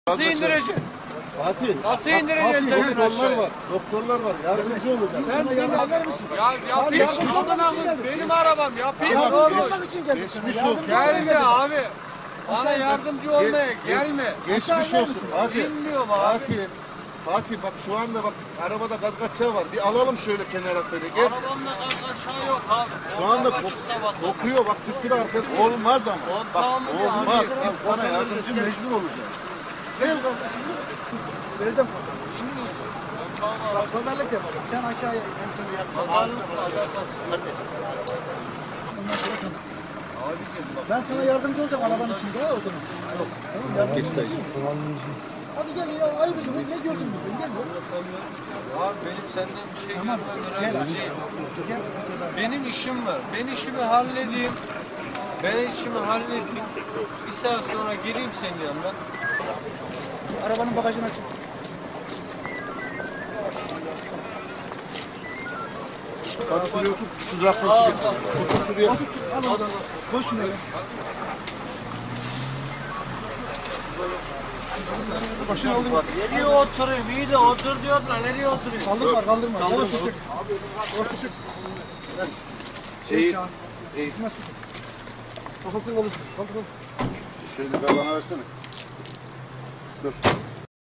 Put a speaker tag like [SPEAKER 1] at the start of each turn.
[SPEAKER 1] Nasıl indireceksin?
[SPEAKER 2] Fatih.
[SPEAKER 1] Nasıl indireceksin sen
[SPEAKER 2] Doktorlar var. Doktorlar var. Yardımcı olacak.
[SPEAKER 1] Sen beni alır mısın? Ya yapayım benim arabam yapayım.
[SPEAKER 2] Geçmiş olsun.
[SPEAKER 1] Gelme abi. Bana yardımcı olmaya gelme.
[SPEAKER 2] Geçmiş olsun. Fatih.
[SPEAKER 1] Bilmiyorum abi.
[SPEAKER 2] Fatih bak şu anda bak arabada gaz kaçağı var. Bir alalım şöyle kenara seni. Gel.
[SPEAKER 1] Arabamda gaz kaçağı yok abi.
[SPEAKER 2] Şu anda kokuyor bak bir sürü arkadaş. Olmaz ama. Bak
[SPEAKER 1] tamam ya,
[SPEAKER 2] olmaz.
[SPEAKER 1] abi.
[SPEAKER 2] Biz sana yardımcı mecbur olacağız. Gel kardeşim. Vereceğim. Bak pazarlık yapalım. Sen aşağıya hem seni
[SPEAKER 1] Pazarlık
[SPEAKER 2] Ben sana yardımcı olacağım arabanın içinde o zaman. Yok. Tamam yardımcı olacağım. Hadi gel ya ayıp ediyorum. Ne gördün bizden? Gel ya.
[SPEAKER 1] Abi benim senden bir şey görmem değil. Benim işim var. Ben işimi halledeyim. Bir saat sonra geleyim senin yanına.
[SPEAKER 2] Arabanın bagajını aç. Hadi şuraya otur. Şu rafı otur şuraya. Otur. Al oradan. Koş şuraya. Başını aldım.
[SPEAKER 1] Nereye oturayım? İyi de otur diyorlar. Nereye oturayım?
[SPEAKER 2] Kaldırma kaldırma. Yavaş çık. Yavaş çık. İyi. Kafasını kaldır. Kaldır. Şöyle bir bana versene. Dur.